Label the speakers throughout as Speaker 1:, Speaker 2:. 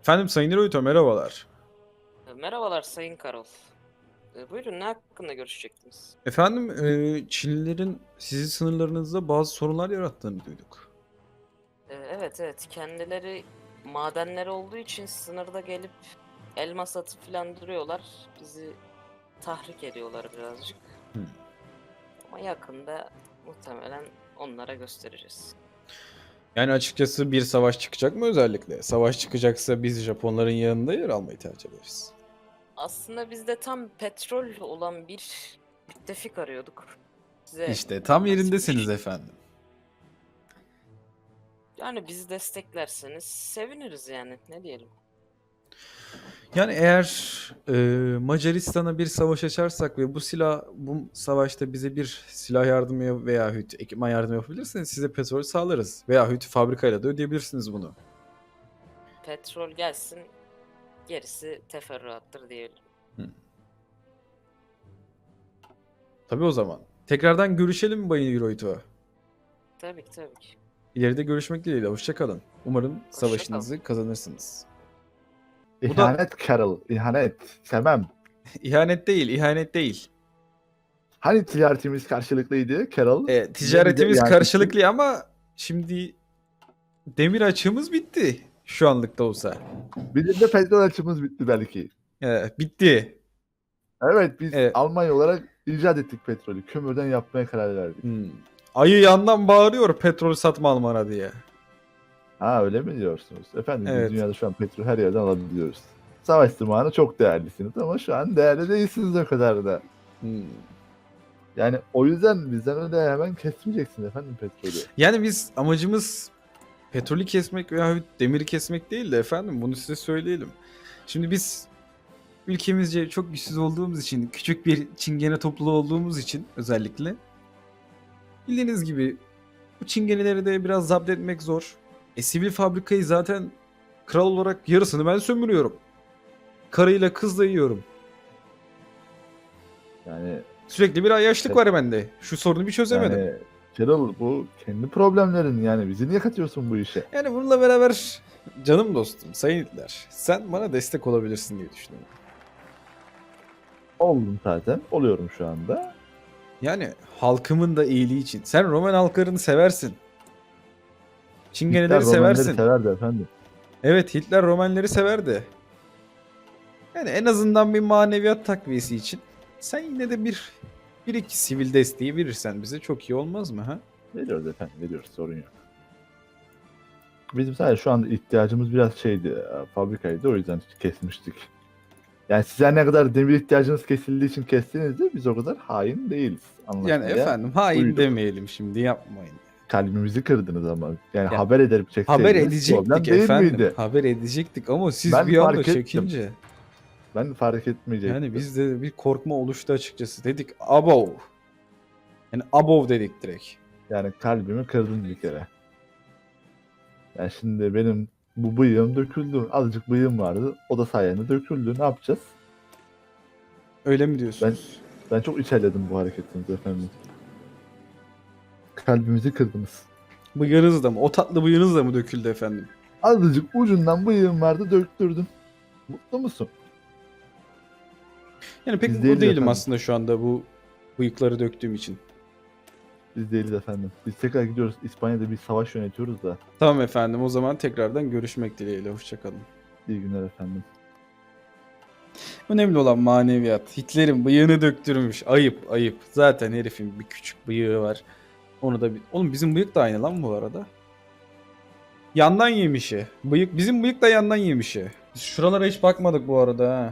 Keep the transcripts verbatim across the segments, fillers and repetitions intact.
Speaker 1: Efendim Sayın Hirohito merhabalar.
Speaker 2: E, Merhabalar Sayın Karol. E, buyurun ne hakkında görüşecektiniz?
Speaker 1: Efendim e, Çinlilerin sizin sınırlarınızda bazı sorunlar yarattığını duyduk.
Speaker 2: E, evet evet kendileri madenleri olduğu için sınırda gelip elmas atıp filan duruyorlar. Bizi tahrik ediyorlar birazcık.
Speaker 1: Hmm.
Speaker 2: Ama yakında muhtemelen onlara göstereceğiz.
Speaker 1: Yani açıkçası bir savaş çıkacak mı özellikle? Savaş çıkacaksa biz Japonların yanında yer almayı tercih ederiz.
Speaker 2: Aslında biz de tam petrol olan bir müttefik arıyorduk. Size
Speaker 1: İşte tam
Speaker 2: nasip bir
Speaker 1: yerindesiniz
Speaker 2: şey.
Speaker 1: efendim.
Speaker 2: Yani bizi desteklerseniz seviniriz yani ne diyelim.
Speaker 1: Yani eğer e, Macaristan'a bir savaş açarsak ve bu silah bu savaşta bize bir silah yardımı veya hüt ekipman yardımı yapabilirseniz size petrol sağlarız. Veya hüt fabrikayla da ödeyebilirsiniz bunu.
Speaker 2: Petrol gelsin gerisi teferruattır diyelim.
Speaker 1: Hı. Tabii o zaman. Tekrardan görüşelim mi Bayın Hirohito?
Speaker 2: Tabii ki tabii ki.
Speaker 1: İleride görüşmek dileğiyle. Hoşça kalın. Umarım
Speaker 2: Hoşça kal.
Speaker 1: savaşınızı kazanırsınız. Bu da
Speaker 3: İhanet Carol, ihanet. Sevmem.
Speaker 1: ihanet değil, ihanet değil.
Speaker 3: Hani ticaretimiz karşılıklıydı Carol?
Speaker 1: E,
Speaker 3: Niye bize
Speaker 1: ticaretimiz
Speaker 3: ihanet ettin?
Speaker 1: karşılıklı ama şimdi demir açığımız bitti. Şu anlık da olsa.
Speaker 3: Bizim de petrol açımız bitti belki.
Speaker 1: E, bitti.
Speaker 3: Evet, biz
Speaker 1: E,
Speaker 3: Almanya olarak icat ettik petrolü. Kömürden yapmaya karar verdik.
Speaker 1: hmm. Ayı yandan bağırıyor petrol satma Alman'a diye.
Speaker 3: Ha, öyle mi diyorsunuz? Efendim, biz
Speaker 1: Evet.
Speaker 3: dünyada şu an petrol her yerden alabiliyoruz. Savaş zamanı çok değerlisiniz ama şu an değerli değilsiniz o kadar da.
Speaker 1: Hmm.
Speaker 3: Yani o yüzden bizden öyle hemen kesmeyeceksiniz efendim petrolü.
Speaker 1: Yani biz amacımız petrolü kesmek veya demiri kesmek değil de efendim bunu size söyleyelim. Şimdi biz ülkemizce çok güçsüz olduğumuz için, küçük bir çingene topluluğu olduğumuz için özellikle bildiğiniz gibi bu çingeneleri de biraz zapt etmek zor. E sivil fabrikayı zaten kral olarak yarısını ben sömürüyorum. Karıyla kızla yiyorum.
Speaker 3: Yani
Speaker 1: Sürekli bir ayyaşlık var bende. Şu sorunu bir çözemedim.
Speaker 3: yani Carol, bu kendi problemlerin, yani bizi niye katıyorsun bu işe?
Speaker 1: Yani bununla beraber canım dostum, sayın Hitler, sen bana destek olabilirsin diye düşünüyorum.
Speaker 3: Oldum zaten. Oluyorum şu anda.
Speaker 1: Yani halkımın da iyiliği için. Sen Roman halklarını seversin.
Speaker 3: Hitler
Speaker 1: Çingeneleri
Speaker 3: Romenleri
Speaker 1: seversin.
Speaker 3: severdi efendim.
Speaker 1: Evet, Hitler Romenleri severdi. Yani en azından bir maneviyat takviyesi için sen yine de bir bir iki sivil desteği verirsen bize çok iyi olmaz mı ha?
Speaker 3: Veriyoruz efendim, veriyoruz, sorun yok. Bizim sadece şu anda ihtiyacımız biraz şeydi, e, fabrikaydı, o yüzden kesmiştik. Yani size ne kadar demir ihtiyacınız kesildiği için kestiniz de biz o kadar hain değiliz.
Speaker 1: Yani
Speaker 3: Anlaşmaya
Speaker 1: efendim hain
Speaker 3: uyduk.
Speaker 1: demeyelim şimdi yapmayın.
Speaker 3: Kalbimizi kırdınız ama. Yani
Speaker 1: Ya,
Speaker 3: haber ederip çekseydiniz
Speaker 1: Haber
Speaker 3: problem
Speaker 1: edecektik
Speaker 3: değil
Speaker 1: efendim.
Speaker 3: miydi?
Speaker 1: Haber edecektik ama siz
Speaker 3: Ben
Speaker 1: bir anda
Speaker 3: fark ettim.
Speaker 1: çekince.
Speaker 3: Ben fark etmeyecektim.
Speaker 1: Yani bizde bir korkma oluştu açıkçası. Dedik abov. Yani abov dedik direkt.
Speaker 3: Yani kalbimi kırdın bir kere. Yani şimdi benim bu bıyığım döküldü. Azıcık bıyığım vardı. O da sayende döküldü. Ne yapacağız?
Speaker 1: Öyle mi diyorsunuz?
Speaker 3: Ben çok içerledim bu hareketinizi efendim. Kalbimizi kırdınız.
Speaker 1: Bıyığınız da mı? O tatlı bıyığınız da mı döküldü efendim?
Speaker 3: Azıcık ucundan bıyığım vardı, döktürdün. Mutlu musun?
Speaker 1: Yani pek
Speaker 3: Biz
Speaker 1: mutlu
Speaker 3: değiliz
Speaker 1: değilim
Speaker 3: efendim.
Speaker 1: aslında şu anda bu bıyıkları döktüğüm için.
Speaker 3: Biz değiliz efendim. Biz tekrar gidiyoruz. İspanya'da bir savaş yönetiyoruz da.
Speaker 1: Tamam efendim, o zaman tekrardan görüşmek dileğiyle. Hoşçakalın.
Speaker 3: İyi günler efendim.
Speaker 1: Önemli olan maneviyat. Hitler'in bıyığını döktürmüş. Ayıp ayıp. Zaten herifin bir küçük bıyığı var. Onu da bir... Oğlum bizim bıyık da aynı lan bu arada. Yandan yemişi. Bıyık bizim bıyık da yandan yemişi. Biz şuralara hiç bakmadık bu arada ha.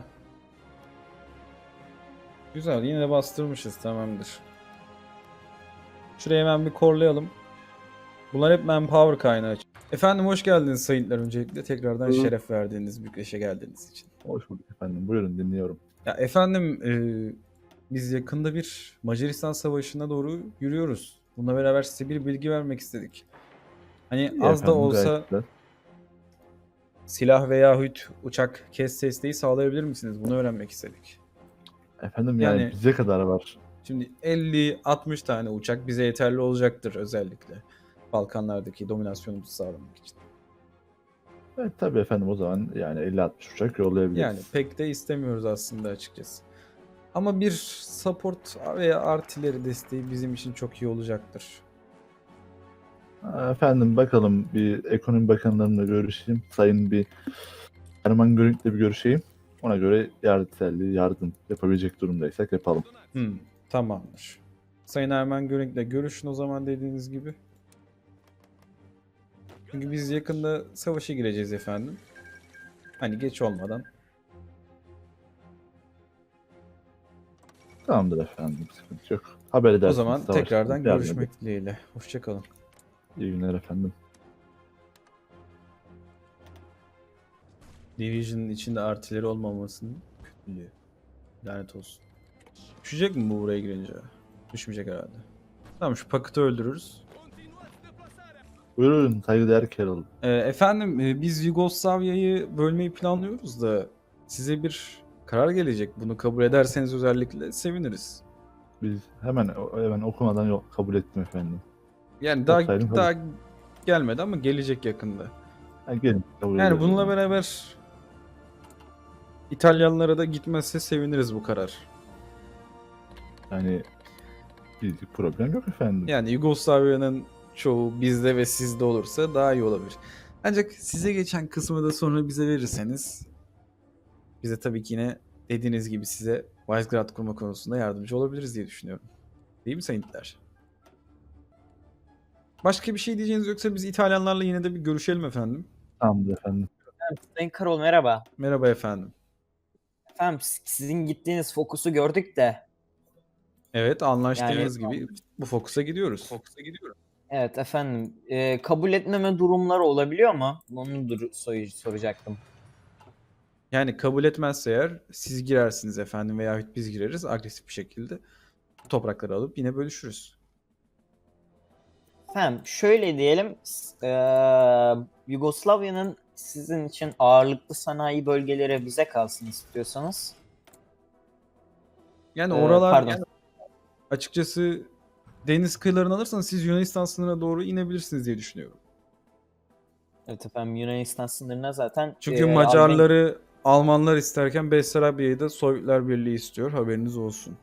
Speaker 1: Güzel, yine de bastırmışız, tamamdır. Şurayı hemen bir korlayalım. Bunlar hep manpower kaynağı. Efendim hoş geldiniz sayınlar, öncelikle tekrardan
Speaker 3: Buyurun.
Speaker 1: şeref verdiğiniz Bükreş'e geldiğiniz için.
Speaker 3: Hoş bulduk efendim. Buyurun, dinliyorum.
Speaker 1: Ya efendim e, biz yakında bir Macaristan Savaşı'na doğru yürüyoruz. Bununla beraber size bir bilgi vermek istedik. Hani
Speaker 3: İyi
Speaker 1: az da
Speaker 3: efendim,
Speaker 1: olsa
Speaker 3: gayet güzel.
Speaker 1: silah veyahut uçak kes desteği sağlayabilir misiniz? Bunu öğrenmek istedik.
Speaker 3: Efendim yani,
Speaker 1: Yani-
Speaker 3: bize kadar var.
Speaker 1: Şimdi elli altmış tane uçak bize yeterli olacaktır, özellikle Balkanlardaki dominasyonumuzu sağlamak için.
Speaker 3: Evet tabii efendim, o zaman yani elli altmış uçak yollayabiliriz.
Speaker 1: Yani pek de istemiyoruz aslında açıkçası. Ama bir support veya artileri desteği bizim için çok iyi olacaktır.
Speaker 3: Efendim bakalım, bir ekonomi bakanlarımla görüşeyim. Sayın bir Erman Görünk'le bir görüşeyim. Ona göre yardımseverliği, yardım yapabilecek durumdaysak yapalım.
Speaker 1: Hmm, tamamdır. Sayın Ermen Görenk'le görüşün o zaman dediğiniz gibi. Çünkü biz yakında savaşa gireceğiz efendim. Hani geç olmadan.
Speaker 3: Tamamdır efendim, sıkıntı yok. Haber
Speaker 1: O
Speaker 3: edersiniz.
Speaker 1: zaman
Speaker 3: savaşta
Speaker 1: tekrardan
Speaker 3: yardım
Speaker 1: görüşmek dileğiyle. Hoşçakalın.
Speaker 3: edin. İyi günler efendim.
Speaker 1: Division'ın içinde artileri olmamasının kötülüğü. Lanet olsun. Düşecek mi bu buraya girince? Düşmeyecek herhalde. Tamam, şu paketi öldürürüz.
Speaker 3: Buyurun saygıdeğer Carol.
Speaker 1: Ee, efendim e, biz Yugoslavya'yı bölmeyi planlıyoruz da size bir karar gelecek. Bunu kabul ederseniz özellikle seviniriz.
Speaker 3: Biz hemen hemen okumadan yok, kabul ettim efendim.
Speaker 1: Yani daha
Speaker 3: Yapsaydım kabul-
Speaker 1: daha gelmedi ama gelecek yakında.
Speaker 3: Ha, gelin kabul
Speaker 1: Yani
Speaker 3: ediyorum.
Speaker 1: bununla beraber İtalyanlara da gitmezse seviniriz bu karar.
Speaker 3: Yani bir problem yok efendim.
Speaker 1: Yani Yugoslavya'nın çoğu bizde ve sizde olursa daha iyi olabilir. Ancak size geçen kısmı da sonra bize verirseniz bize tabii ki yine dediğiniz gibi size Visegrad kurma konusunda yardımcı olabiliriz diye düşünüyorum. Değil mi Sayın İtler? Başka bir şey diyeceğiniz yoksa biz İtalyanlarla yine de bir görüşelim efendim.
Speaker 3: Tamamdır efendim.
Speaker 4: Sayın Karol merhaba.
Speaker 1: Merhaba efendim.
Speaker 4: Efendim s- sizin gittiğiniz fokusu gördük de.
Speaker 1: Evet, anlaştığımız
Speaker 4: Yani-
Speaker 1: gibi bu fokusa gidiyoruz. Fokusa gidiyoruz.
Speaker 4: Evet efendim. e, kabul etmeme durumları olabiliyor mu? Onu dur- soy- soracaktım.
Speaker 1: Yani kabul etmezse eğer siz girersiniz efendim veya biz gireriz agresif bir şekilde. Bu toprakları alıp yine bölüşürüz.
Speaker 4: Efendim şöyle diyelim. s- e, Yugoslavya'nın sizin için ağırlıklı sanayi bölgeleri bize kalsın istiyorsanız.
Speaker 1: Yani
Speaker 4: Ee,
Speaker 1: oralar
Speaker 4: pardon.
Speaker 1: yani açıkçası deniz kıyılarını alırsanız siz Yunanistan sınırına doğru inebilirsiniz diye düşünüyorum.
Speaker 4: Evet efendim Yunanistan sınırına zaten.
Speaker 1: Çünkü
Speaker 4: e,
Speaker 1: Macarları Almanlar isterken Bessarabya'yı da Sovyetler Birliği istiyor. Haberiniz olsun.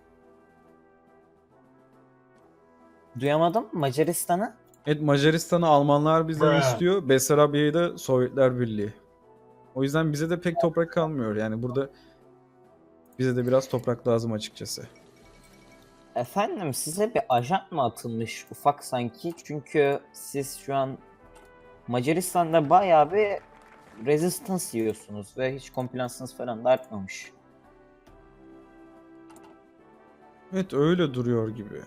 Speaker 4: Alman- Duyamadım. Macaristan'ı.
Speaker 1: Evet, Macaristan'ı Almanlar bizden istiyor. Bessarabya'yı da Sovyetler Birliği. O yüzden bize de pek toprak kalmıyor. Yani burada bize de biraz toprak lazım açıkçası.
Speaker 4: Efendim size bir ajan mı atılmış ufak sanki? Çünkü siz şu an Macaristan'da bayağı bir resistance yiyorsunuz ve hiç compliance'ınız falan da artmamış.
Speaker 1: Evet, öyle duruyor gibi.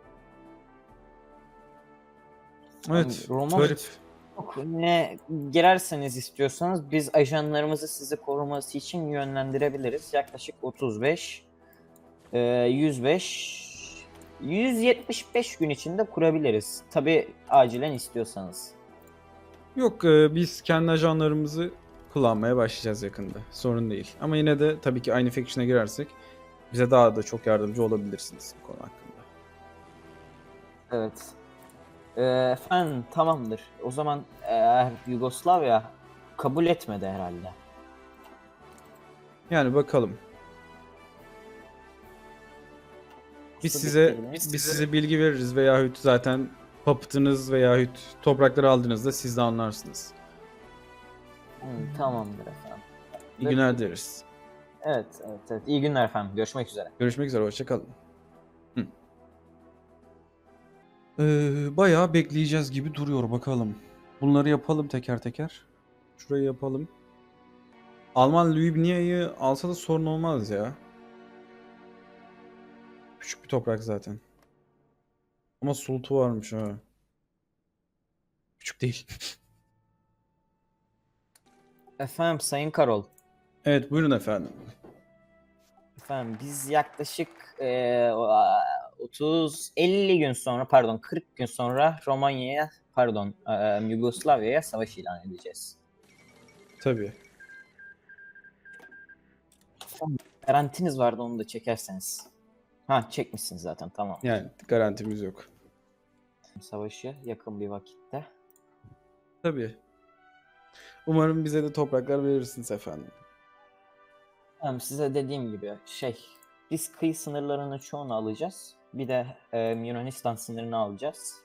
Speaker 1: Evet,
Speaker 4: Roma-
Speaker 1: garip.
Speaker 4: Yok, ne girerseniz istiyorsanız biz ajanlarımızı sizi koruması için yönlendirebiliriz. Yaklaşık otuz beş, e, yüz beş, yüz yetmiş beş gün içinde kurabiliriz. Tabi acilen istiyorsanız.
Speaker 1: Yok, e, biz kendi ajanlarımızı kullanmaya başlayacağız yakında. Sorun değil. Ama yine de tabii ki aynı faction'a girersek bize daha da çok yardımcı olabilirsiniz bu konu hakkında.
Speaker 4: Evet. Ee, efendim tamamdır. O zaman eğer Yugoslavya kabul etmedi herhalde.
Speaker 1: Yani bakalım. Biz
Speaker 4: İşte
Speaker 1: size
Speaker 4: bekleyelim.
Speaker 1: biz size bilgi veririz veyahut zaten papıtınız veyahut toprakları aldığınızda siz de anlarsınız.
Speaker 4: Hı, tamamdır efendim.
Speaker 1: İyi günler dileriz.
Speaker 4: Evet, evet, evet. İyi günler efendim. Görüşmek üzere.
Speaker 1: Görüşmek üzere, hoşça kalın. Hı. Ee, bayağı bekleyeceğiz gibi duruyor bakalım. Bunları yapalım teker teker. Şurayı yapalım. Alman Lübniya'yı alsa da sorun olmaz ya. Küçük bir toprak zaten. Ama sultu varmış ha. Küçük değil.
Speaker 4: Efendim Sayın Karol.
Speaker 1: Evet, buyurun efendim.
Speaker 4: Efendim biz yaklaşık eee, otuz elli gün sonra pardon kırk gün sonra Romanya'ya pardon eee, Yugoslavya'ya savaş ilan edeceğiz.
Speaker 1: Tabii.
Speaker 4: Garantiniz vardı onu da çekerseniz. Ha çekmişsiniz zaten tamam.
Speaker 1: Yani garantimiz yok.
Speaker 4: Savaşı yakın bir vakitte.
Speaker 1: Tabii. Umarım bize de topraklar verirsiniz efendim.
Speaker 4: Tamam, size dediğim gibi şey, biz kıyı sınırlarının çoğunu alacağız. Bir de e, Yunanistan sınırını alacağız.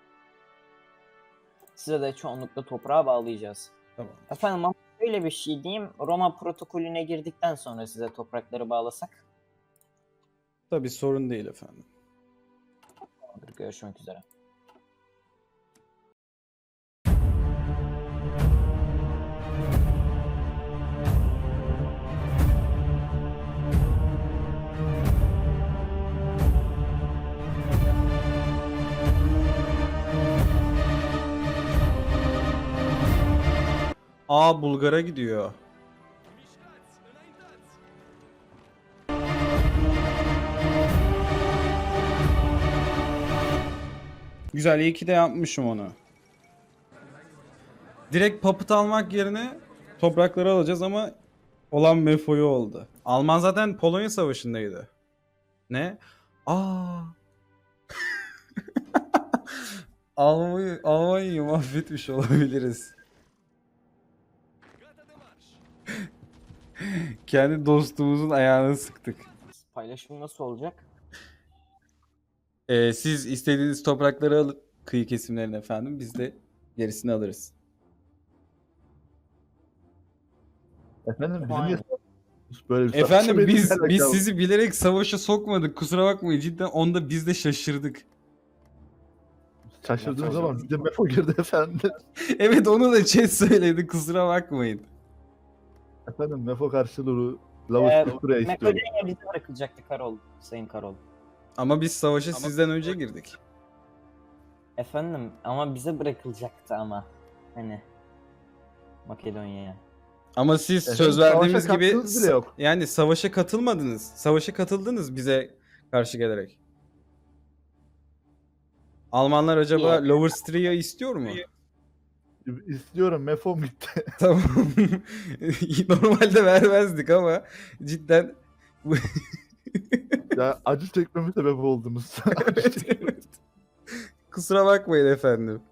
Speaker 4: Size de çoğunlukla toprağa bağlayacağız.
Speaker 1: Tamam.
Speaker 4: Efendim ama şöyle bir şey diyeyim. Roma protokolüne girdikten sonra size toprakları bağlasak.
Speaker 1: Tabii sorun değil efendim.
Speaker 4: Tamamdır, görüşmek üzere.
Speaker 1: Aa, Bulgar'a gidiyor. Güzel, iyi ki de yapmışım onu. Direkt papıt almak yerine toprakları alacağız ama olan Mefo'yu oldu. Alman zaten Polonya Savaşı'ndaydı. Ne? Aa. Almanya, Almanya'yı mahvetmiş olabiliriz. Kendi dostumuzun ayağını sıktık.
Speaker 4: Paylaşım nasıl olacak?
Speaker 1: Ee, siz istediğiniz toprakları alın, kıyı kesimlerini efendim. Biz de gerisini alırız.
Speaker 3: Efendim bizim
Speaker 4: Aynen.
Speaker 3: niye böyle bir
Speaker 1: Efendim
Speaker 3: savaşa
Speaker 1: biz
Speaker 3: benimle
Speaker 1: biz
Speaker 3: alakalı?
Speaker 1: sizi bilerek savaşa sokmadık. Kusura bakmayın, cidden onda biz de şaşırdık.
Speaker 3: Şaşırdığınız zaman bize Mefo girdi efendim.
Speaker 1: Evet, onu da chat söyledi. Kusura bakmayın.
Speaker 3: Efendim Mefo karşılığı
Speaker 4: Ee,
Speaker 3: Lavus buraya istiyorum.
Speaker 4: Makedonya bize bırakacaktı Karol, Sayın Karol.
Speaker 1: Ama biz savaşa sizden önce girdik.
Speaker 4: Efendim ama bize bırakılacaktı ama. Hani Makedonya'ya.
Speaker 1: Ama siz
Speaker 3: Efendim,
Speaker 1: söz verdiğimiz
Speaker 3: savaşa
Speaker 1: gibi
Speaker 3: katkınız bile yok.
Speaker 1: yani savaşa katılmadınız. Savaşa katıldınız bize karşı gelerek. Almanlar acaba
Speaker 4: İyi.
Speaker 1: Lower Styria istiyor mu?
Speaker 3: İstiyorum Mefom gitti.
Speaker 1: Tamam. Normalde vermezdik ama cidden
Speaker 3: Ya acı çekmeme sebep oldunuz.
Speaker 1: evet, evet. Kusura bakmayın efendim.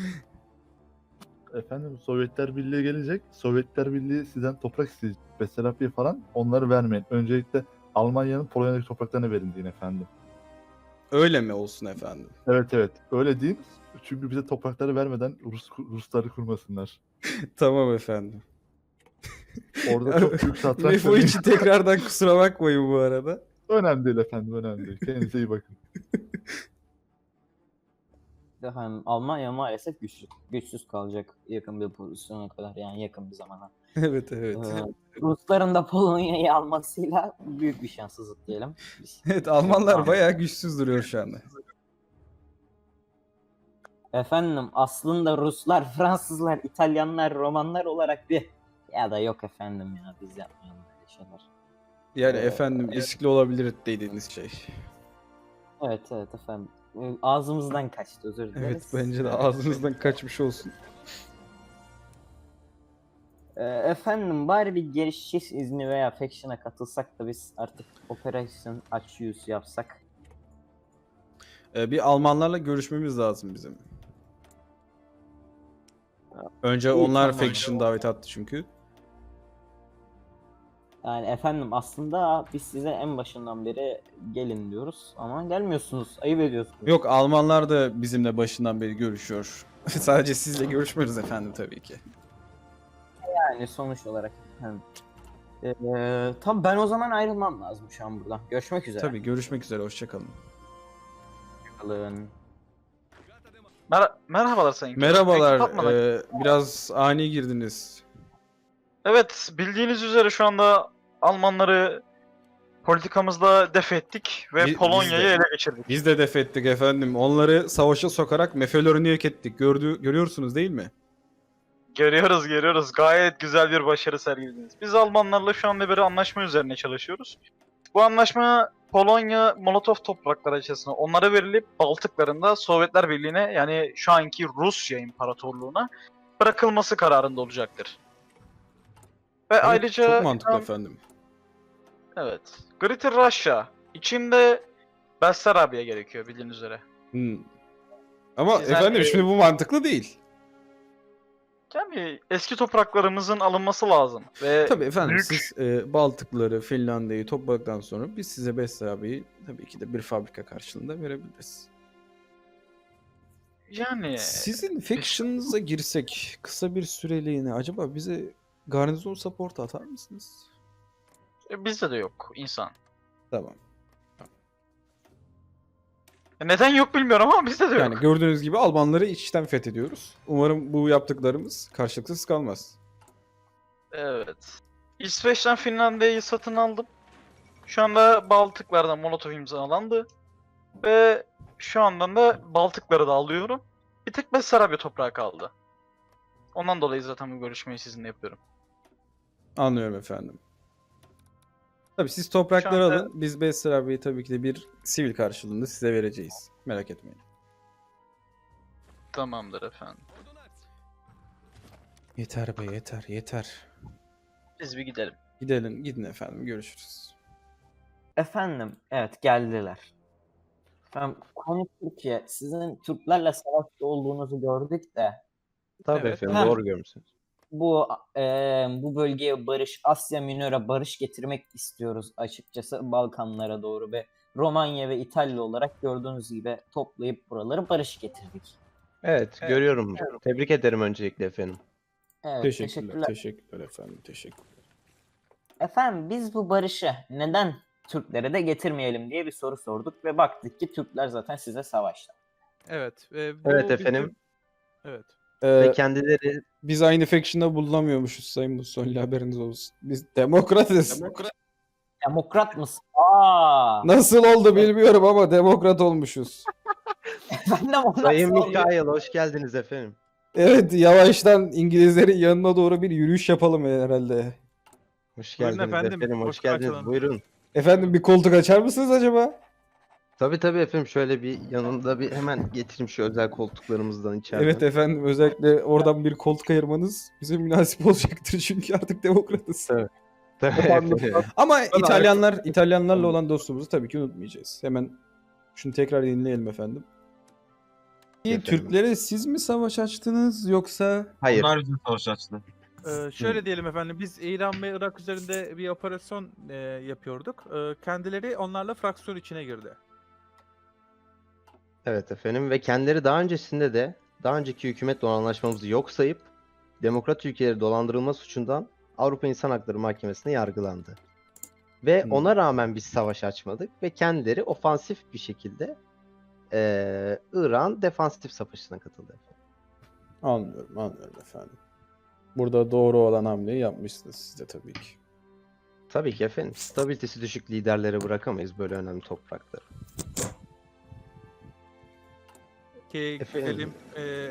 Speaker 3: Efendim Sovyetler Birliği gelecek. Sovyetler Birliği sizden toprak isteyecek. Besarabya falan onları vermeyin. Öncelikle Almanya'nın Polonya'daki topraklarını verin deyin efendim.
Speaker 1: Öyle mi olsun efendim?
Speaker 3: Evet evet öyle deyin. Çünkü bize toprakları vermeden Rus Rusları kurmasınlar.
Speaker 1: Tamam efendim.
Speaker 3: Orada çok büyük satranç
Speaker 1: Mefo
Speaker 3: dönüyor.
Speaker 1: için tekrardan kusura bakmayın bu arada.
Speaker 3: Önemli değil efendim önemli değil. Kendinize iyi bakın.
Speaker 4: Efendim Almanya maalesef güçsüz, güçsüz kalacak yakın bir pozisyona kadar, yani yakın bir zamana.
Speaker 1: Evet evet.
Speaker 4: Ee, Rusların da Polonya'yı almasıyla büyük bir şanssızlık diyelim. Biz.
Speaker 1: Evet, Almanlar bayağı güçsüz duruyor şu anda.
Speaker 4: Efendim aslında Ruslar, Fransızlar, İtalyanlar, Romanlar olarak bir ya da yok efendim ya biz yapmayalım böyle şeyler.
Speaker 1: Yani
Speaker 4: Ee,
Speaker 1: efendim riskli olabilir dediğiniz şey.
Speaker 4: Evet evet efendim. Ee, Ağzımızdan kaçtı, özür dileriz.
Speaker 1: Evet, bence de ağzınızdan kaçmış olsun.
Speaker 4: Ee, efendim bari bir geçiş izni veya faction'a katılsak da biz artık operasyon açıyoruz yapsak.
Speaker 1: Ee, bir Almanlarla görüşmemiz lazım bizim. Önce
Speaker 4: İyi,
Speaker 1: onlar
Speaker 4: tamam.
Speaker 1: faction davet attı çünkü.
Speaker 4: Yani efendim aslında biz size en başından beri gelin diyoruz ama gelmiyorsunuz, ayıp ediyorsunuz.
Speaker 1: Yok, Almanlar da bizimle başından beri görüşüyor. Sadece sizle görüşmüyoruz efendim tabii ki.
Speaker 4: Yani sonuç olarak efendim. Ee, tam ben o zaman ayrılmam lazım şu an buradan. Görüşmek üzere.
Speaker 1: Tabii, görüşmek üzere, hoşçakalın.
Speaker 4: Kalın.
Speaker 5: Mer- Merhabalar Sayın Kemal.
Speaker 1: Merhabalar,
Speaker 5: Mektup atmadan-
Speaker 1: ee, biraz ani girdiniz.
Speaker 5: Evet, bildiğiniz üzere şu anda Almanları politikamızda def ettik ve
Speaker 1: Bi- biz
Speaker 5: Polonya'yı
Speaker 1: de.
Speaker 5: ele geçirdik.
Speaker 1: Biz de def ettik efendim. Onları savaşa sokarak mefelerini yok ettik. Gördü, görüyorsunuz değil mi?
Speaker 5: Görüyoruz, görüyoruz. Gayet güzel bir başarı sergilediniz. Biz Almanlarla şu anda bir anlaşma üzerine çalışıyoruz. Bu anlaşma Polonya Molotov toprakları açısından onlara verilip Baltıklarında Sovyetler Birliği'ne, yani şu anki Rusya İmparatorluğu'na bırakılması kararında olacaktır. Ve
Speaker 1: Evet,
Speaker 5: ayrıca
Speaker 1: çok mantıklı efendim.
Speaker 5: evet. Greater Russia içinde Bessarabya gerekiyor bildiğiniz üzere.
Speaker 1: Hmm. Ama
Speaker 5: Sizden,
Speaker 1: efendim
Speaker 5: e,
Speaker 1: şimdi bu mantıklı değil.
Speaker 5: Yani eski topraklarımızın alınması lazım. Ve
Speaker 1: Tabii efendim
Speaker 5: büyük-
Speaker 1: siz e, Baltıkları, Finlandiya'yı topladıktan sonra biz size Bessarabia'yı tabii ki de bir fabrika karşılığında verebiliriz.
Speaker 5: yani
Speaker 1: Sizin faction'ınıza girsek kısa bir süreliğine acaba bize garnizon support atar mısınız?
Speaker 5: e, bizde de yok insan.
Speaker 1: Tamam.
Speaker 5: E, Neden yok bilmiyorum ama bizde de yok.
Speaker 1: Yani gördüğünüz gibi Almanları içten fethediyoruz. Umarım bu yaptıklarımız karşılıksız kalmaz.
Speaker 5: Evet. İsveç'ten Finlandiya'yı satın aldım. Şu anda Baltıklardan Molotov imzalandı. Ve şu andan da Baltıkları da alıyorum. Bir tek Bessarabya toprağı kaldı. Ondan dolayı zaten bu görüşmeyi sizinle yapıyorum.
Speaker 1: Anlıyorum efendim. Tabii siz toprakları
Speaker 5: anda-
Speaker 1: alın. Biz Bessarabia'yı tabii ki de bir sivil karşılığında size vereceğiz. Merak etmeyin.
Speaker 5: Tamamdır efendim.
Speaker 1: Yeter be yeter yeter.
Speaker 5: Biz bir gidelim.
Speaker 1: Gidelim gidin efendim görüşürüz.
Speaker 4: Efendim, evet geldiler. Efendim, konu Türkiye. Sizin Türklerle savaşta olduğunuzu gördük de
Speaker 6: Tabii
Speaker 7: Evet.
Speaker 6: efendim
Speaker 4: Ha.
Speaker 6: doğru görmüşsünüz.
Speaker 4: bu eee, bu bölgeye barış, Asya Minör'e barış getirmek istiyoruz açıkçası Balkanlara doğru ve Romanya ve İtalya olarak gördüğünüz gibi toplayıp buraları barış getirdik.
Speaker 6: Evet,
Speaker 5: Evet,
Speaker 6: görüyorum. Tebrik ederim öncelikle efendim.
Speaker 4: Evet,
Speaker 1: teşekkürler,
Speaker 4: teşekkürler.
Speaker 1: teşekkürler efendim, teşekkürler.
Speaker 4: Efendim biz bu barışı neden Türklere de getirmeyelim diye bir soru sorduk ve baktık ki Türkler zaten size savaştı.
Speaker 7: Evet. e, bu
Speaker 6: Evet
Speaker 7: bizim-
Speaker 6: efendim.
Speaker 7: Evet.
Speaker 1: Ee,
Speaker 6: Ve kendileri
Speaker 1: biz aynı faction'da bulunamıyormuşuz Sayın Mussolini, haberiniz olsun. Biz demokratız.
Speaker 4: Demokrat mısın? Aa!
Speaker 1: Nasıl oldu bilmiyorum ama demokrat olmuşuz.
Speaker 4: Efendim o
Speaker 6: Sayın
Speaker 4: nasıl oluyor?
Speaker 6: Mikail hoş geldiniz efendim.
Speaker 1: Evet, yavaştan İngilizlerin yanına doğru bir yürüyüş yapalım herhalde.
Speaker 6: Hoş
Speaker 7: Buyurun
Speaker 6: geldiniz
Speaker 7: efendim,
Speaker 6: efendim. Hoş
Speaker 7: hoş
Speaker 6: geldiniz.
Speaker 7: karşılanın.
Speaker 6: Buyurun.
Speaker 1: Efendim bir koltuk açar mısınız acaba?
Speaker 6: Tabii tabii efendim şöyle bir yanında bir hemen getireyim şu özel koltuklarımızdan içeriden.
Speaker 1: Evet efendim, özellikle oradan bir koltuk ayırmanız bize münasip olacaktır çünkü artık demokratız.
Speaker 6: Evet. Tabii efendim.
Speaker 1: Ama İtalyanlar, İtalyanlarla olan dostluğumuzu tabii ki unutmayacağız. Hemen şunu tekrar yenileyelim efendim.
Speaker 6: Efendim.
Speaker 1: Türklere siz mi savaş açtınız yoksa?
Speaker 6: Hayır.
Speaker 8: Onlar bize savaş açtı.
Speaker 7: Ee, şöyle diyelim efendim, biz İran ve Irak üzerinde bir operasyon e, yapıyorduk. Ee, kendileri onlarla fraksiyon içine girdi.
Speaker 6: Evet efendim ve kendileri daha öncesinde de daha önceki hükümetle olan anlaşmamızı yok sayıp demokrat ülkeleri dolandırılma suçundan Avrupa İnsan Hakları Mahkemesi'ne yargılandı. Ve
Speaker 1: Hmm.
Speaker 6: ona rağmen biz savaş açmadık ve kendileri ofansif bir şekilde eee İran defansif savaşına katıldı.
Speaker 1: Anlıyorum, anlıyorum efendim. Burada doğru olan hamleyi yapmışsınız siz de tabii ki.
Speaker 6: Tabii ki efendim. Stabilitesi düşük liderlere bırakamayız böyle önemli toprakları.
Speaker 7: Ki
Speaker 6: Efendim?
Speaker 7: güzelim e,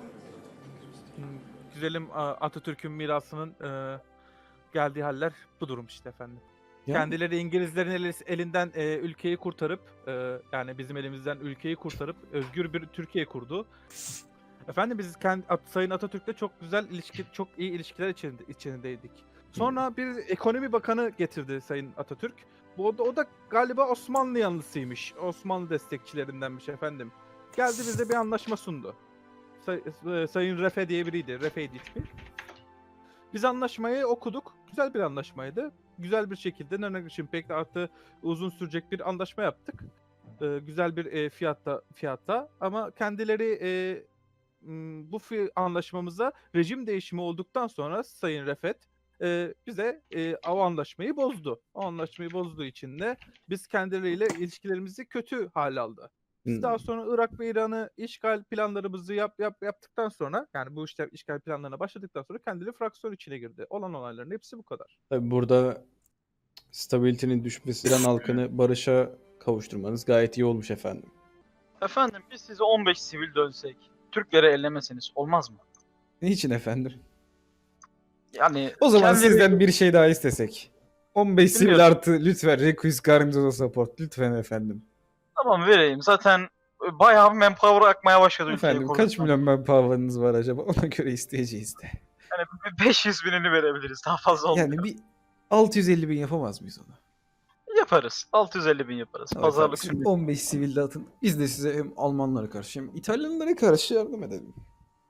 Speaker 7: güzelim a- Atatürk'ün mirasının e, geldiği haller bu durum işte efendim.
Speaker 1: Yani-
Speaker 7: Kendileri İngilizlerin eli- elinden e, ülkeyi kurtarıp e, yani bizim elimizden ülkeyi kurtarıp özgür bir Türkiye kurdu. Efendim biz kendi, At- Sayın Atatürk'le çok güzel ilişki, çok iyi ilişkiler içinde, içindeydik. Sonra bir ekonomi bakanı getirdi Sayın Atatürk. Bu o da, o da galiba Osmanlı yanlısıymış. Osmanlı destekçilerindenmiş efendim. Geldi bize bir anlaşma sundu. Say- e, Sayın Refe diye biriydi. Refe'ydi ismi. Biz anlaşmayı okuduk. Güzel bir anlaşmaydı. Güzel bir şekilde Nönegriş'in pek de artı uzun sürecek bir anlaşma yaptık. Ee, güzel bir e, fiyatta fiyatta ama kendileri e, m, bu fi- anlaşmamıza rejim değişimi olduktan sonra Sayın Refet e, bize e, o anlaşmayı bozdu. O anlaşmayı bozduğu için de biz kendileriyle ilişkilerimizi kötü hale aldı. Biz
Speaker 1: Hmm.
Speaker 7: daha sonra Irak ve İran'ı işgal planlarımızı yap, yap yaptıktan sonra yani bu işte işgal planlarına başladıktan sonra kendileri fraksiyon içine girdi. Olan olayların hepsi bu kadar.
Speaker 1: Tabii burada stabilitenin düşmesi, İran halkını barışa kavuşturmanız gayet iyi olmuş efendim.
Speaker 5: Efendim biz size on beş sivil dönsek, Türkleri ellemeseniz olmaz mı?
Speaker 1: Niçin efendim?
Speaker 5: Yani
Speaker 1: O zaman
Speaker 5: kendileri-
Speaker 1: sizden bir şey daha istesek. on beş sivil
Speaker 5: Bilmiyorum.
Speaker 1: artı lütfen Requis Garnizono Support lütfen efendim.
Speaker 5: Tamam vereyim. Zaten e, bayağı bir manpower akmaya başladı ülkeye
Speaker 1: Efendim kaç
Speaker 5: kurduktan.
Speaker 1: milyon manpower'ınız var acaba? Ona göre isteyeceğiz de.
Speaker 5: Yani bir beş yüz binini verebiliriz. Daha fazla olmuyor.
Speaker 1: Yani bir altı yüz elli bin yapamaz mıyız onu?
Speaker 5: Yaparız. altı yüz elli bin yaparız.
Speaker 1: Tamam
Speaker 5: Pazarlık
Speaker 1: efendim,
Speaker 5: şimdi.
Speaker 1: on beş sivil de atın. Biz de size hem Almanlara karşı hem İtalyanlara karşı yardım edelim.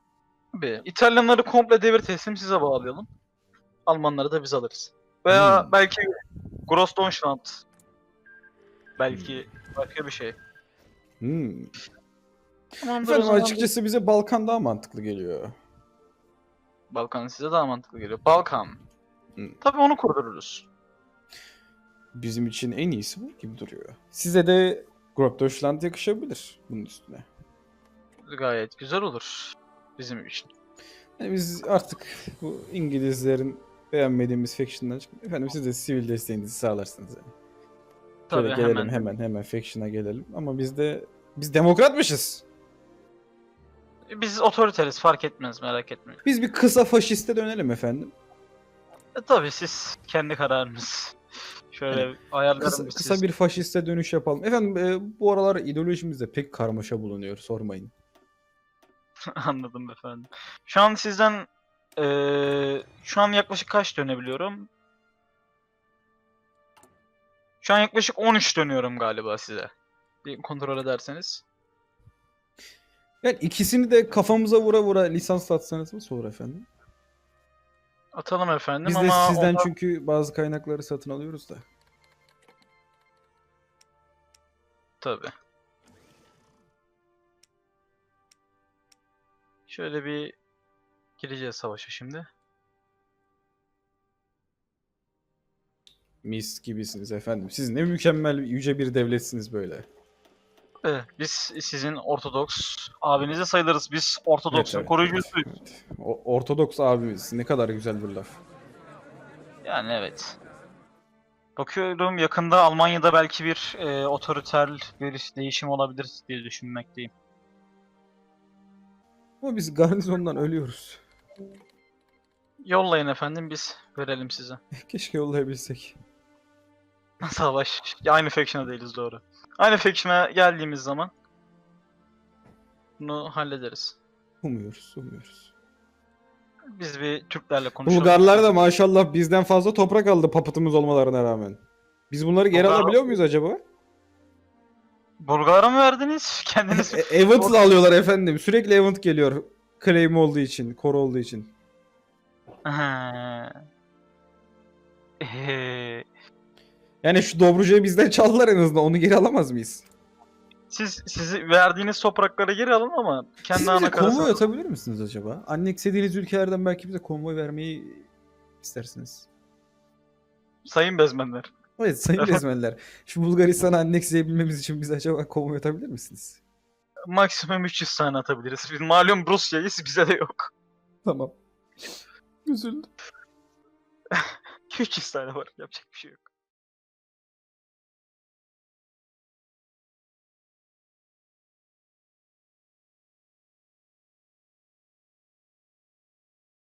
Speaker 5: Tabii. İtalyanları komple devir teslim size bağlayalım. Almanları da biz alırız. Veya
Speaker 1: Hmm.
Speaker 5: belki Grossdeutschland. Belki başka bir şey.
Speaker 1: Hmm.
Speaker 5: Tamamdır o
Speaker 1: Efendim
Speaker 5: zaman.
Speaker 1: açıkçası bize Balkan daha mantıklı geliyor.
Speaker 5: Balkan size daha mantıklı geliyor. Balkan.
Speaker 1: Hmm.
Speaker 5: Tabii onu kurdururuz.
Speaker 1: Bizim için en iyisi bu gibi duruyor. Size de Großdeutschland yakışabilir bunun üstüne.
Speaker 5: Gayet güzel olur. Bizim için.
Speaker 1: Yani biz artık bu İngilizlerin beğenmediğimiz faction'dan çıkıp efendim siz de sivil desteğinizi sağlarsınız yani.
Speaker 5: Tabii
Speaker 1: Şöyle gelelim
Speaker 5: hemen.
Speaker 1: hemen hemen faction'a gelelim ama biz de biz demokratmışız.
Speaker 5: Biz otoriteriz fark etmez merak etmeyin.
Speaker 1: Biz bir kısa faşiste dönelim efendim.
Speaker 5: E, tabii siz kendi kararınız. Şöyle ayarlarım
Speaker 1: Kısa,
Speaker 5: biz
Speaker 1: kısa
Speaker 5: siz.
Speaker 1: bir faşiste dönüş yapalım. Efendim e, bu aralar ideolojimizde pek karmaşa bulunuyor sormayın.
Speaker 5: Anladım efendim. Şu an sizden eee, şu an yaklaşık kaç dönebiliyorum? Şu an yaklaşık on üç dönüyorum galiba size. Bir kontrol ederseniz.
Speaker 1: Yani ikisini de kafamıza vura vura lisans atsanız nasıl olur efendim?
Speaker 5: Atalım efendim
Speaker 1: Biz de
Speaker 5: ama
Speaker 1: sizden
Speaker 5: ondan-
Speaker 1: çünkü bazı kaynakları satın alıyoruz da.
Speaker 5: tabii. Şöyle bir gireceğiz savaşa şimdi.
Speaker 1: Mis gibisiniz efendim. Siz ne mükemmel yüce bir devletsiniz böyle.
Speaker 5: Evet, biz sizin Ortodoks abinize sayılırız. Biz Ortodoks'un
Speaker 1: Evet, evet,
Speaker 5: koruyucusuyuz.
Speaker 1: evet, evet. O- Ortodoks abimiz ne kadar güzel bir laf.
Speaker 5: Yani evet. Bakıyorum yakında Almanya'da belki bir e, otoriter bir değişim olabilir diye düşünmekteyim.
Speaker 1: Ama biz garnizondan ölüyoruz.
Speaker 5: Yollayın efendim biz verelim size.
Speaker 1: Keşke yollayabilsek.
Speaker 5: Savaş. Aynı faction'a değiliz doğru. Aynı faction'a geldiğimiz zaman bunu hallederiz.
Speaker 1: Umuyoruz, umuyoruz.
Speaker 5: Biz bir Türklerle konuşalım.
Speaker 1: Bulgarlar da maşallah bizden fazla toprak aldı papıtımız olmalarına rağmen. Biz bunları geri
Speaker 5: Bulgar-
Speaker 1: alabiliyor muyuz acaba?
Speaker 5: Bulgar'a mı verdiniz? Kendiniz
Speaker 1: E, Event'la alıyorlar efendim. Sürekli event geliyor. Claim olduğu için, core olduğu için.
Speaker 5: Ha. Eee,
Speaker 1: Yani şu Dobruca'yı bizden çaldılar en azından. Onu geri alamaz mıyız?
Speaker 5: Siz sizi verdiğiniz topraklara geri alın ama kendi
Speaker 1: Siz
Speaker 5: ana
Speaker 1: bize konvoy
Speaker 5: karasına
Speaker 1: atabilir misiniz acaba? Annexlediğiniz ülkelerden belki bize konvoy vermeyi istersiniz.
Speaker 5: sayın bezmenler.
Speaker 1: Evet sayın bezmenler. Şu Bulgaristan'ı annexleyebilmemiz için bize acaba konvoy atabilir misiniz?
Speaker 5: Maksimum üç yüz tane atabiliriz. Biz malum Rusya'yız bize de yok.
Speaker 1: Tamam. Üzüldüm.
Speaker 5: üç yüz tane var yapacak bir şey yok.